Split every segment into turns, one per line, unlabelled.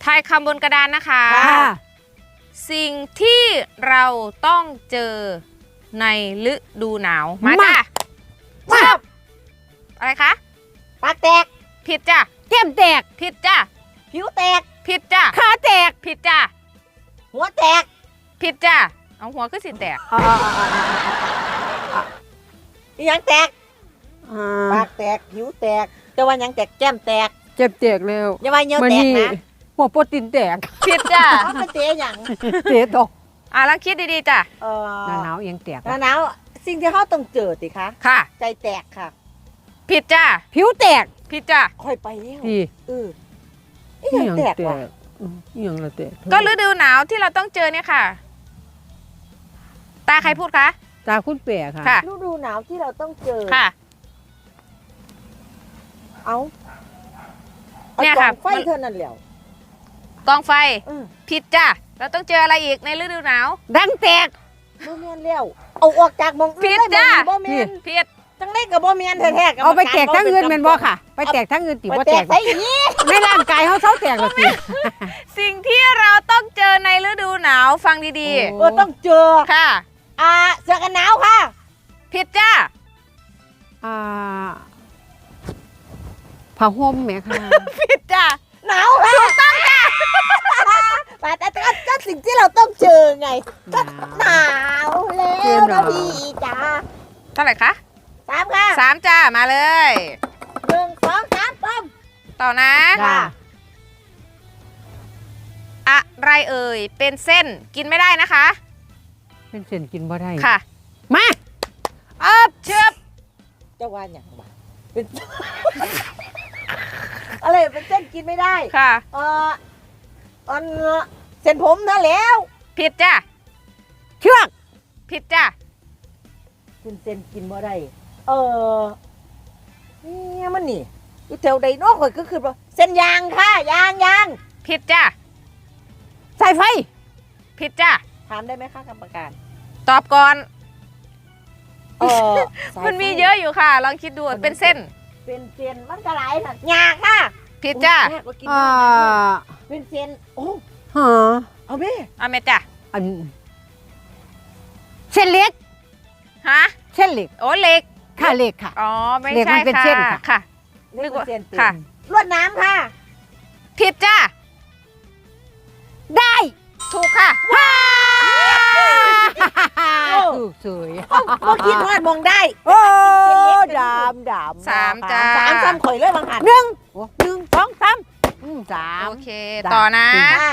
ทายคำบนกระดานนะคะ
ค่ะ
สิ่งที่เราต้องเจอในฤดูหนาวมาจ้ะ
มา
อะไรคะ
ปากแตก
ผิดจ้ะ
แก้มแตก
ผิดจ้ะ
ผิวแตก
ผิดจ้ะ
ขาแตก
ผิดจ้ะ
หัวแตก
ผิดจ้ะเอาหัวขึ้นสิแตก
อีหยังแตกปากแตกผิวแตกแต่ว่าหยังแตกแก้มแตก
เจ็บแตกแล้ว
อย่าว่าเหนียวแตกนะ
หัวโปรตีนแตก
ผิดจ้ะ
เอาไปเตะหยัง
เตะตก
ลองคิดดีๆจ้ะ
หน้าหนาวยังแตก
หน้าหนาวสิ่งที่เขาต้องเจอติคะ
ค่ะ
ใจแตกค่ะ
ผิดจ้ะ
ผิวแตก
ผิดจ้ะ
ค่อยไปแล้ว
พี่
อีหยังแตกวะ
อีหยังละแตก
ก็ฤดูหนาวที่เราต้องเจอเนี่ยค่ะ ตาใครพูดคะ
ตาคุณแปะค่ะ
ค่ะ
ฤดูหนาวที่เราต้องเจอ
ค่ะ
เอา
เนี่ยค่ะ
อาไฟเท่านั้นแหล้ว
กองไฟ
เออ
ผิดจ้ะเราต้องเจออะไรอีกในฤดูหนาว
ดังแตก
บ่แม่นแล้วเอาออกจากหมองอื่น
ผิด
เลย
จ้ะ
บ่แม่น
ผิด
จังได๋ก็บ่แม่นแท้ๆ
เอาไปแตกทั้งอื่นแม่นบ่ค่ะ ไปแตกทั้งอื่นติ
ไป
บ่
แต
แต
ก
ก
ใส่อีก
ในร่างกายเขาเศร้าแตกแล้วสิ
สิ่งที่เราต้องเจอในฤดูหนาวฟังดี
ต้องเจอ
ๆ ค่ะ
เสื้อกันหนาวค่ะ
ผิดจ้ะ
อ่าผ้าห่มแหมค่ะ
ผิดจ้ะ
หนาวค่ะถูกต้องจ้ะแต่สิ่งที่เราต้องเจอไงก็หนาวแล้วนะพี่จ๋า
เท่าไหร่คะ
3ค่ะ
3จ้ามาเลย
1 2 3ปั๊ม
ต่อนะ
ค่ะ
อะไรเอ่ยเป็นเส้นกินไม่ได้นะคะ
เป็นเส้นกินบ่ได้
ค่ะ
มา
เชือบ
จะว่าอย่างไรเป็น อะไรเป็นเส้นกินไม่ได้
ค่ะ
อันเส้นผมนั่นแล้ว
ผิดจ้ะ
เชือก
ผิดจ้ะ
เป็นเส้นกินบ่ได้เนี่ยมันนี่อยู่แถวใดเนอกข่อยก็คือว่าเส้นยางค่ะยาง
ผิดจ้ะ
สายไฟ
ผิดจ้ะ
ถามได้ไหมคะกรรมการ
ตอบก่อน
สายไฟ
มันมีเยอะอยู่ค่ะ ลองคิดดูเป็นเส้น
เป็นเส้นมันก็หลายน่ะยากค่ะ
ผิดจ้ะ
โอ้ยแม่ก็กิน
อ่า
ได้นะเป็นเส้นโอ้
ฮะ
เอาแม่
เอาเมจ้ะ
อันเส้นเล็ก
ฮะ
เส้นเล็ก
โอ้เหล็ก
ค่ะเล็กค่ะ
อ๋อไม่
เหล็ก
ใช่
มันเป็น
ค่ะ
เส้นค่ะ
ค่ะ
เรียกว่าเส้นเต็ม
ค่ะ
ลวดน้ำค่ะ
ผิดจ้ะ
ได้
ถูกค่ะ
ถูกสวย
เมื่อกี้ทอดมองได้
โอ้ดำ
สามจ้า
สามข่อยเลยบางหัน
1 1 2 3
โอ
3
เค
จ้ะ
ต่อนะ
ค่ะ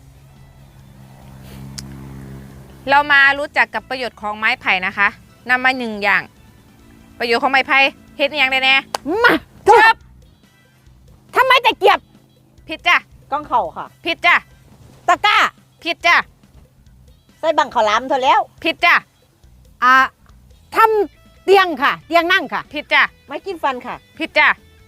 เรามารู้จักกับประโยชน์ของไม้ไผ่นะคะนำมาหนึ่งอย่าง ประโยชน์ของไม้ไผ่เฮ็ดอหย่างได้แน่
มาถูกทำไมตะเกียบ
ผิดจ้ะ
ก้องเข่าค่ะ
ผิดจ้ะ
ตะกร้า
ผิดจ้ะ
ใส่บังขาวหลามเธอแล้ว
ผิดจ้ะ
ทำเตียงค่ะ เตียงนั่งค่ะ
ผิดจ้ะ
ไม่กินฟันค่ะ
ผิดจ้ะ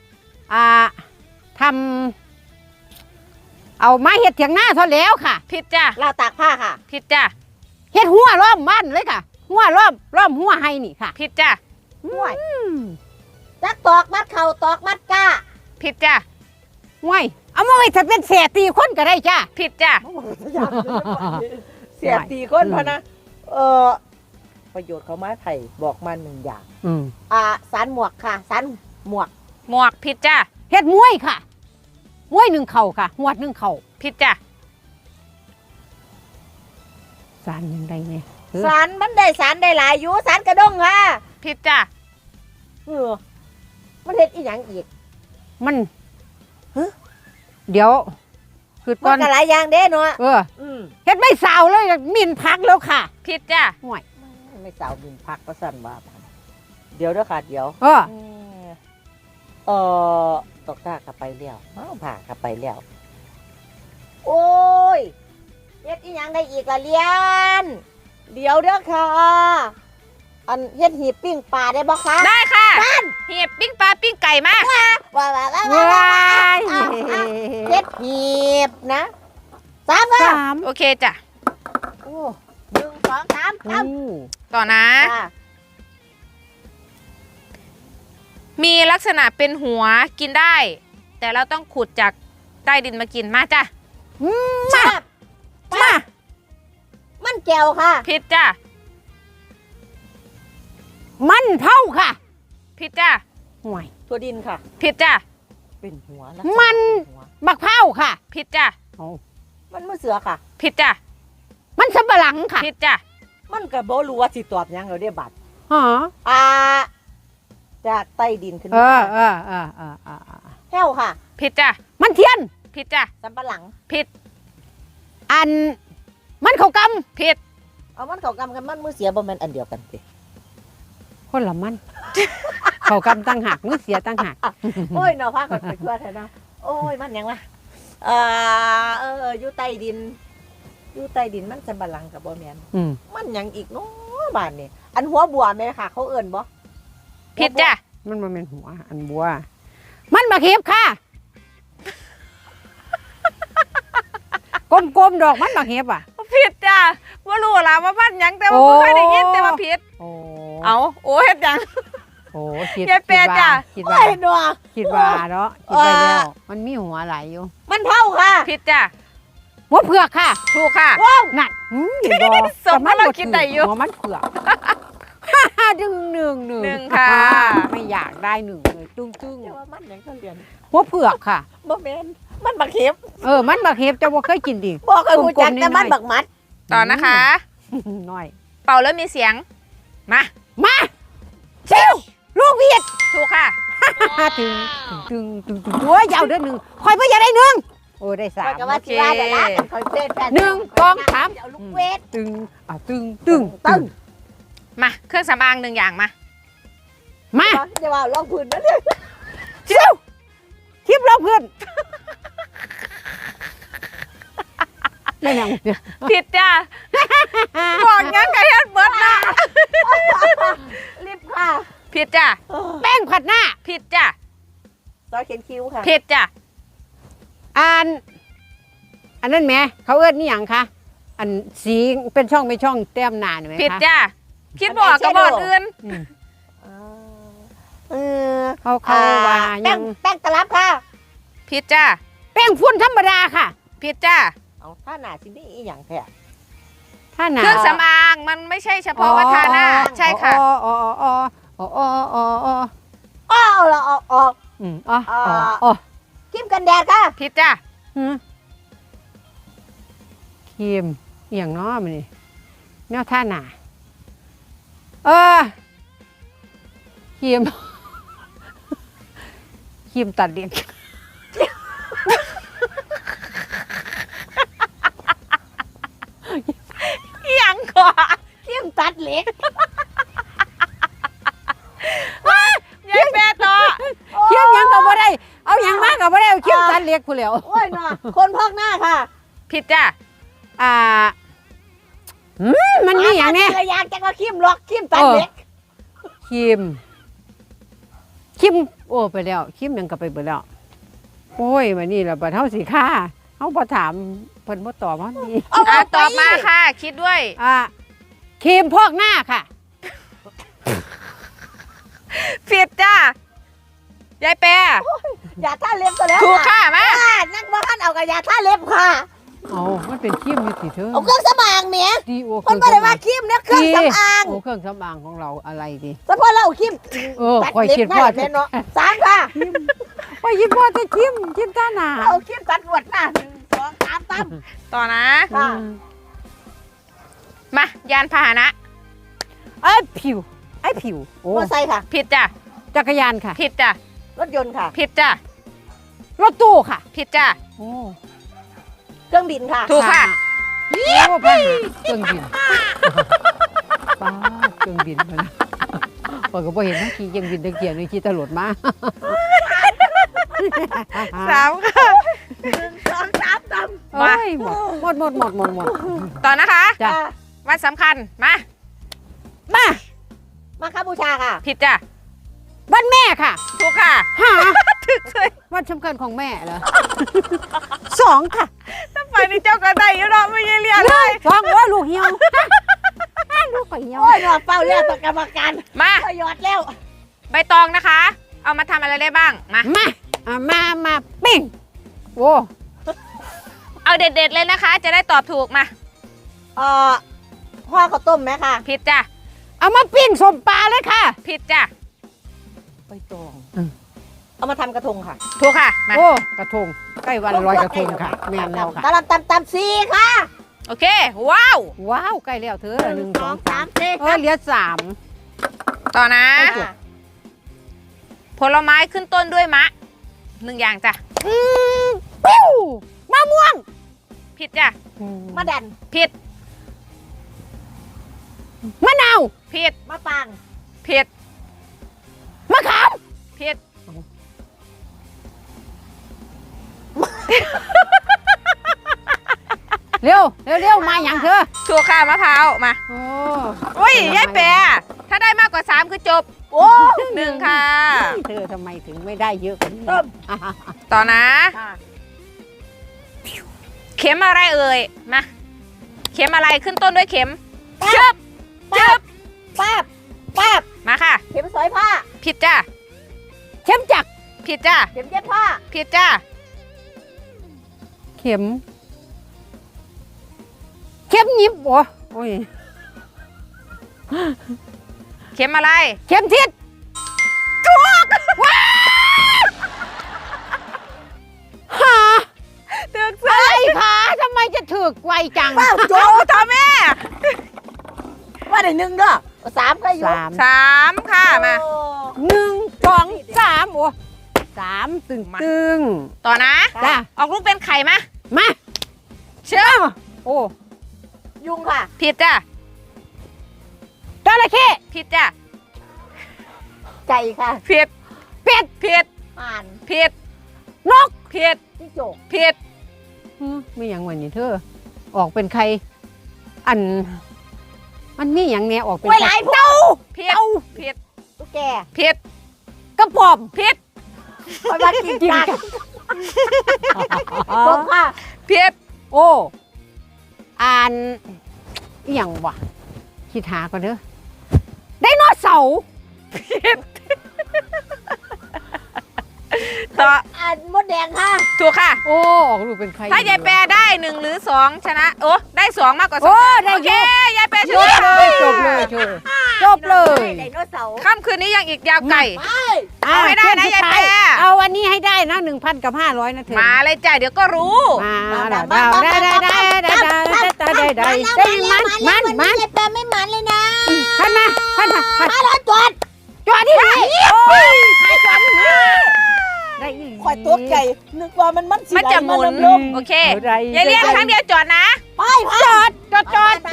ทำเอาไม้เห็ดเถียงหน้าเท่าแล้วค่ะ
ผิดจ้ะ
ลาวตากผ้าค่ะ
ผิดจ้ะ
เห็ดหัวล้อมบ้านเลยค่ะ หัวล้อมหัวให้นี่ค่ะ
ผิดจ้ะ
ห่วยจักตอกมัดเข่าตอกมัดก้า
ผิดจ้ะ
ห่วยเอามาไว้ถ้าเป็นเสียตีคนก็ได้จ้า
ผิดจ้ะ
เสียตีก้นพะนะ ประโยชน์ของไม้ไผ่บอกมาหนึ่งอย่าง สารหมวกค่ะ สารหมวก
หมวกผิดจ้ะ
เห็ดมวยค่ะมวย1 เข่าค่ะหวด1 เข่า
ผิดจ้ะ
สารยังไงเนี่ย
สารมันได้สารได้หลายอยู่สารกระด้งค่ะ
ผิดจ้ะ
มันเห็ดอีหยังอีก
มัน
ฮะ
เดี๋ยวคือก่
มั
อน น
ก็หลายอย่างเด้เนาะ
เห็ดไม่สาวเลยมินพักแล้วค่ะ
ผิดจ้ะ
ห่วย
ไม่สาวบินพักก็สั่นว่าเดี๋ยวเด้อค่ะเดี๋ยว ตกตากลับไปแล้วผ่ากลับไปแล้ว โอ้ยเฮ็ดอีหยังได้อีกละเลียน เดี๋ยวเด้อค่ะ อันเฮ็ดหีบปิ้งปลาได้บ่คะ
ได้ค่ะเหียบปิ้งปลาปิ้งไก่มาก
ว้าว
ว้าย
เฮ็ดหีบนะ3ค่ะ
โอเคจ้ะ
โอ้1 2 3
ต่อนะ
ค่ะ
มีลักษณะเป็นหัวกินได้ แต่เราต้องขุดจากใต้ดินมากินมาจ้ะ
มา มา
มันแก้วค่ะ
ผิดจ้ะ
มันเผาค่ะ
ผิดจ้ะ
ห่วย
ถั่วดินค่ะ
ผิดจ้ะ
เป็นหัวแล้ว
มัน บักเผาค่ะ
ผิดจ้ะ
เอา
มันมือเสือค่ะ
ผิดจ้ะ
มันสำปะหลังค่ะ
ผิดจ้ะ
มันก็บ่รู้ว่าสิตอบหยังเราได้บัตร
ฮะ
จากใต้ดินขึ้น
เอ
มา
อ
แห้วค่ะ
ผิดจ้ะ
มันเทียน
ผิดจ้ะ
สำปะหลัง
ผิด
อัน มันเขาก
ผิด
เอามันเขากำกันมันมือเสียบ่แม่นอันเดียวกันสิ
ำคนละมัน เขากำตั้งหักมือเสียตั้งหัก
โอ้ยเนาะพากันไปทั่วแท้เนาะโอ้ยมันหยังวะอยู่ใต้ดิน อยู่ใต้ดินมันสำปะหลังกับบ่แม่น
อืม
มันหยังอีกเนาะบ้านนี่อันหัวบัวแม่ค่ะ เขาเอิ้นบ่
ผิดจ้ะ
มันมาเป็นหัวอันบัว มันบักเห็บค่ะ กลมๆดอกมันบักเห็บอ่ะ
ผิดจ้ะว่ารู้ล่ะว่าบ้านหยังแต่ว่า
โอ้
บ่เคยได้ยินแต่ว่าผิด
โอ้
เอาโอ้เฮ็ดหยัง
โอ้คิด
ยายเปรจ้ะ
คิด
โอ้
ว่าย
เนาะ
คิดว่าเนาะคิดไปแล้ว มันมีหัวไหลายอยู่
มันเผาค่ะ
ผิดจ้ะ
หัวเผือกค่ะ
ถูกค่ะ
ว้าว
นั่นเห็นบ่
สมว่าเรากินได้อยู่
หัวมันเผือก ดึงหนึ่ง
หนึ่งค่ะ
ไม่อยากได้หนึ่งเลยตึ้ง
เดี๋ยวว่ามันหยังเขาเรียน
หัวเผือกค่ะ
บ่แม่นมันบักเข็บ
มันบักเห็บเจะบ่เคยกินดิ
บ่เคยรู้จัก
กลมๆ
แต่มัน
น้อยๆ
บักมัด
ต่อนะคะ
น้อย
เป่าแล้วมีเสียง มา
มาเชิวลูกเวียด
ถูกค่ะ
ตึงโอ้ยยาวเด้อหนึ่งคอยเพื่ออยากได้หนึ่งโอ้ได้สา
ข้อ
ม
ยก็ว่าสิว่าแต่ละกันคอยเต้นแฟน
หนึ่งสองสาม
เอาลูกเวท
ตึงตึง
ตึ้ง
มาเครื่องสำอางหนึ่งอย่างมา
มา
เดี๋ยวว่าลองพื้นนะเนี่ย
เชิวคลิปเราเพื่อนไม่ยังเดี๋ยว
ผิดจ้ะ บอกงั้นกับเฮ็ดเบิร์ดนะ
รีบค่ะ
ผิดจ้ะ
แป้งผัดหน้า
ผิดจ้ะ
ซอยเขียนคิ้วค่ะ
ผิดจ้ะ
อันนั้นแหมเขาเอิ้นนี่หยังคะอันสีเป็นช่องแต้มหน้านี่ไหมคะ
ผิดจ้ะ คิดบอกกับบอดอื่น
อืม
เออ
เขาว่า
แป้
ยัง ง
แป้งตลับค่ะ
ผิดจ้ะ
แป้งฝุ่นธรรมดาค่ะ
ผิดจ้ะ
เอาถ้าหนาสินี่อีหยังแท้
ถ้าหนา
เครื่องสำอางมันไม่ใช่เฉพาะว่าทาหน้า ใช่ค่ะ
อ๋อ
อ้าวเราเอาออก
อ๋อ
ครีมกันแดดค่ะ
ผิดจ้ะ
ครีมอหย่างน้อมันนี่แนวท่าหนาครีม ครีมตัดเล็บ
อีหยังก่อน
ครีมตัดเหล็ก
ยายแปรต่อ
ครีมหยังก็บ่ได้ เอาหยังมาก็บ่ได้เอาครีมตัดเล็บผู้แล้ว
โอ้ยเนาะคนพอกหน้าค่ะ
ผิดจ้ะ
มันมีอย่างเนี้ย
อยากจะว่าครีมล็อกครีมตัดเหล็ก
ครีมโอ้ไปแล้วครีมหยังก็ไปเบิดแล้วโอ้ยวันนี้ล่ะบัดเฮาสิค่าเฮาบ่ถามเพิ่นบ่ตอบเฮานี่
ตอบมาค่ะ คิดด้วย
ครีมพอกหน้าค่ะ
ผิดจ้ะ ยายแปร
อย่าท่าเล็บก็แล้ว
ถูกค่ะมา
นักว่าท่านเอากับยาท่าเล็บค่ะ
เอามันเป็นครีมอยู่สิเธอ
เอาเครื่องสำอางเมีย
ดีโอ
คนไม่ได้ว่าครีมเนี่ยเครื่องสำอาง
โอ้เครื่องสำอางของเราอะไรดี
เฉพาะเราเอาครีม
คอยคิดว่า
ตัดเล็บหน้าแบบเนาะสามค่ะ
คอยคิดว่าจะครีมตาหนา
เอาครีมตัดหนวดหน้า1 2 3ตั้ม
ต่อนะ
ค่ะ
มา ยานพาหนะ
ไอ้ผิวโอ้
มอไซค์ค่ะ
ผิดจ้ะ
จักรยานค่ะ
ผิดจ้ะ
รถยนต์ค่ะ
ผิดจ้ะ
รถตู้ค่ะ
ผิดจ้ะ
โอ้
เครื่องบินค่ะ
ถูกค่ะ
โอ้พาหนะเครื่องบินป้าดเครื่องบินมานะปอยก็บ่เห็นนะขี่เครื่องบินตะเกียบนี่ขี่ตำรวจมา
สามค่ะ
1 2 3ตั้ม
โอ้ยหมด
ต่อนะคะ
จ้ะ
วันสำคัญ มา
มาคาบูชาค่ะ
ผิดจ้ะ
วันแม่ค่ะ
ถูกค่ะ
หา
ถึกเลย
วันสำคัญของแม่เหรอ สองค่ะ
ถ้าไปนี่เจ้าก็ได้อยังเนาะไม่ใช่เรียนเลย
สองลูกเหี่ยว ลูกก็เหี่ยว
โอ้ยเนาะเป้าแล้วต่อกรรมการ
มา
ก็ยอดแล้ว
ใบตองนะคะ เอามาทำอะไรได้บ้าง มา
มาปิ้งโอ้
เอาเอาเด็ดๆเลยนะคะ จะได้ตอบถูกมา
ห่อข้าวต้มไหมค่ะ
ผิดจ้ะ
เอามาปิ้งสมปลาเลยค่ะ
ผิดจ้ะ
ใบตอง
อืม
เอามาทำกระทงค่ะ
ถูกค่ะมา
โอ้กระทงใกล้วันลอยกระทงค่ะแม่นแล้วค่ะ
ตำซีค่ะ
โอเค ว้าว
ว้าวใกล้แล้วเธอหนึ่งสองสาม
สี่
เหลือสาม
ต่อนะ
ไม่จบ
ผลไม้ขึ้นต้นด้วยมะหนึ่งอย่างจ้ะ
ปิ้วมะม่วง
ผิดจ้ะ
มะดัน
ผิด
มะนาว
ผิด
มะปาง
ผิด
มะขาม
ผิด
เร็วเร็วมาอย่างเธอ
ถูกค่ะมะพร้าวมา
โอ้
อุ้ยยายแปรถ้าได้มากกว่า3คือจบ
โอ้
หนึ่งค่ะ
เธอทำไมถึงไม่ได้เยอะกว่านี้
เริ่ม
อ่ะ
ต่อนะ
ค่ะ
เข็มอะไรเอ่ยมาเข็มอะไรขึ้นต้นด้วยเข็ม
ปั๊
เชิ
บบ
เชิบ
ปั๊บปั๊บ
มาค่ะ
เข็มสอยผ้า
ผิดจ้ะ
เข้มจักร
ผิดจ้ะ
เข็มเย็บผ้า
ผิดจ้ะ
เข็มหยิบโอ้ย
เข็มอะไร
เข็มทิศ
ถูก
หา
ถูก
อะไรคะทำไมจะถึกไวจัง
ว้าวโจ
โอ้ทอแม่
ว่าได้หนึ่งเด้อสามก็อยู่
3ค่ะมา
โอ้
หนึ่งสองสามสามตึง
มา
ตึง
ต่อนะ
จ้า
ออกลูกเป็นไข่มา
มา
เชื่อม
โอ้
ยุงค่ะ
ผิดจ้ะ
จระเข้
ผิดจ้ะ
ไก่ค่ะ
ผิด
เป็ด
ผิด
ห่าน
ผิด
นก
ผิด
จิ้งจก
ผิด
ไม่อย่างวันนี้เธอ ออกเป็นใคร อัน มันมีอย่างเนี้ยออกเป็น
ไว้หลายพวก
ผิดผิด
ตุ๊กแก
ผิด
กระป๋อม
ผิด
คอยมากินกันจบค่ะ
ผิด
โอ้อ่านอหย่างวะคิดหาก่อนเด้อไดโนเสาร์
ต่อ
อ่านมดแดงค่ะ
ถูกค่ะ
โอ้ออกรูปเป็นใคร
ถ้ายายแปรได้1หรือ2ชนะโอ้ได้2มากกว่า
โอ้
2
ได้
โอเค
เยอะ
ยายแปรช
จบ
นะ
เลยจบเลยจบเลย
ไดโนเสาร์
ค่ำคืนนี้ยังอีกยาวไกล
ไป
เอาให้ได้นะยายแปร
เอาวันนี้ให้ได้นะ 1,000 กับ 500นะเธอ
มาเลยจ้ะเดี๋ยวก็รู้
มาแล้วได้มัน
ยายแปรไม่มันเลยนะ
พันมา
มาแล้วจอด
จอดที่ไหนโอ้ยใครจอดที่นี่ได้อีหลี
ข่อยตัวใหญ่นึกว่ามันสิ
มันจะหมุน
ลม
โอเคยายเลี้ยงครั้งเดียวจอดนะ
ไป
จอดพันจอด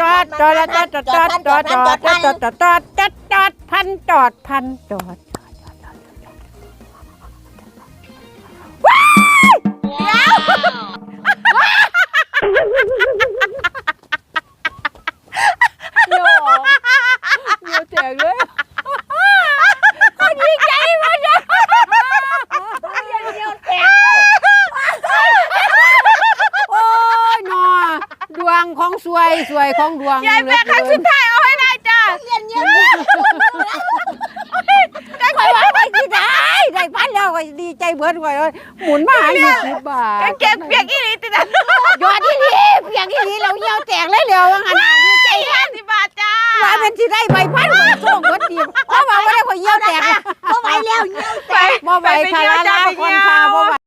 เดี๋ยวแจกเลยคนดีใจมากเลยโอ้ยหนอดวงของสวยของดวง
ยายแปรครั้งสุดท้ายเอาให้ได้จ้ะ
เรียนเยอะ
คอยว่าไปที่ได้พันแล้วก็ดีใจเบิดกว่าเลยหมุนมา20 บาท
กางเกงเปียกอีหลีติดนะ
ยอดที่นี่เพียงที่นี่เราเหี่ยวแตกเลยเร็วว่างั้นดีใจ
50 บาทจ้า
ว่าเป็นที่ได้ใบพันโชคเบิดดีเพราะว่าไม่ได้คนเหี่ยวแตก
ก็ไหวแล้วเงี้ย
ไป
บ่ไหวค่ะลาคนค่ะบ่ไหว